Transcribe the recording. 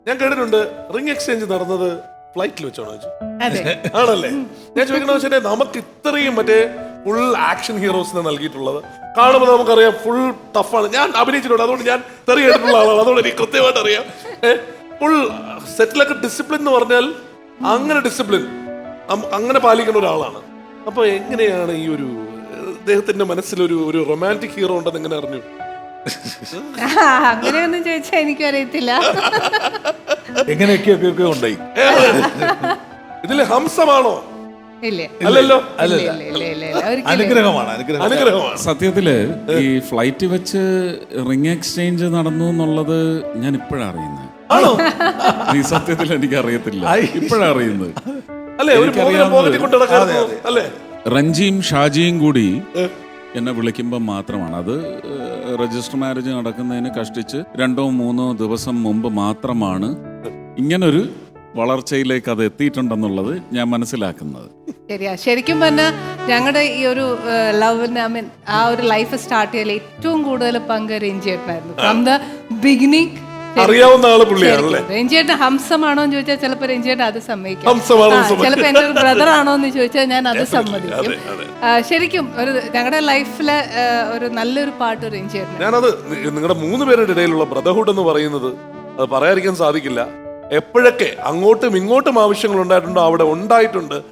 ഞാൻ കേട്ടിട്ടുണ്ട് ring exchange നടന്നത് ഫ്ലൈറ്റിൽ വെച്ചാണോ ചോദിച്ചു. അതെ. ആണല്ലേ? ഞാൻ ചോദിക്കണമെന്ന് വെച്ചാൽ നമുക്ക് ഇത്രയും മറ്റേ ഫുൾ ആക്ഷൻ ഹീറോസിനെ നൽകിയിട്ടുള്ളത് കാണുമ്പോൾ നമുക്കറിയാം ഫുൾ ടഫാണ്. ഞാൻ അഭിനയിച്ചിട്ടുണ്ട്, അതുകൊണ്ട് ഞാൻ തെറി കേട്ടിട്ടുള്ള ആളാണ്, അതുകൊണ്ട് എനിക്ക് കൃത്യമായിട്ട് അറിയാം. ഫുൾ സെറ്റിലൊക്കെ ഡിസിപ്ലിൻ എന്ന് പറഞ്ഞാൽ അങ്ങനെ ഡിസിപ്ലിൻ അങ്ങനെ പാലിക്കുന്ന ഒരാളാണ്. അപ്പൊ എങ്ങനെയാണ് ഈ ഒരു അദ്ദേഹത്തിന്റെ മനസ്സിലൊരു ഒരു റൊമാൻറ്റിക് ഹീറോ ഉണ്ടെന്ന് എങ്ങനെ അറിഞ്ഞു? അങ്ങനെയൊന്നും ചോദിച്ചാൽ എനിക്കും അറിയത്തില്ല. എങ്ങനെയൊക്കെ ഉണ്ടായി. ഇതില് ഹംസമാണോ? ഇല്ല, അല്ലല്ലോ. അനുഗ്രഹമാണ്. അനുഗ്രഹമാണ്. സത്യത്തില് ഈ ഫ്ലൈറ്റ് വെച്ച് റിംഗ് എക്സ്ചേഞ്ച് നടന്നു എന്നുള്ളത് ഞാൻ ഇപ്പോഴാണ് അറിയുന്നത്. ആണോ? ഈ സത്യത്തിൽ എനിക്ക് അറിയത്തില്ല, ഇപ്പോഴാണ് അറിയുന്നത്. അല്ലേ, ഒരു പോക്കറ്റിൽ കൊണ്ട് നടക്കാറുണ്ടോ? അല്ലേ? റഞ്ജിയും ഷാജിയും കൂടി എന്നെ വിളിക്കുമ്പോൾ മാത്രമാണ് അത്. രജിസ്റ്റർ മാരേജ് നടക്കുന്നതിന് കഷ്ടിച്ച് 2-3 ദിവസം മുമ്പ് മാത്രമാണ് ഇങ്ങനൊരു വളർച്ചയിലേക്ക് അത് എത്തിയിട്ടുണ്ടെന്നുള്ളത് ഞാൻ മനസ്സിലാക്കുന്നത്. ശരിയാ. ശരിക്കും പറഞ്ഞാൽ ഞങ്ങളുടെ ഈ ഒരു ലവിന് ആ ഒരു ലൈഫ് സ്റ്റാർട്ട് ചെയ്യൽ ഏറ്റവും കൂടുതൽ പങ്ക് രഞ്ജിയേട്ടനായിരുന്നു. ഫ്രം ദ ബിഗിനിങ് അറിയാവുന്ന ആള് പുള്ളിയാണല്ലേ? രഞ്ജിയേട്ടൻ ഹംസമാണോ എന്ന് ചോദിച്ചാൽ ചിലപ്പോൾ രഞ്ജിയേട്ടൻ അത് സമ്മതിക്കും. ഹംസമാണോ? ചിലപ്പോൾ എൻ്റെ ഒരു ബ്രദർ ആണോ എന്ന് ചോദിച്ചാൽ ഞാൻ അത് സമ്മതിക്കും. ശരിക്കും ഒരു ഞങ്ങളുടെ ലൈഫിലെ ഒരു നല്ലൊരു പാട്ട് രഞ്ജിയേട്ടൻ. ഞാനത് നിങ്ങളുടെ 3 പേരുടെ ഇടയിലുള്ള ബ്രദർഹുഡ് എന്ന് പറയുന്നത് അത് പറയാതിരിക്കാൻ സാധിക്കില്ല. എപ്പോഴൊക്കെ അങ്ങോട്ടും ഇങ്ങോട്ടും ആവശ്യങ്ങൾ ഉണ്ടായിട്ടുണ്ടോ അവിടെ ഉണ്ടായിട്ടുണ്ട്.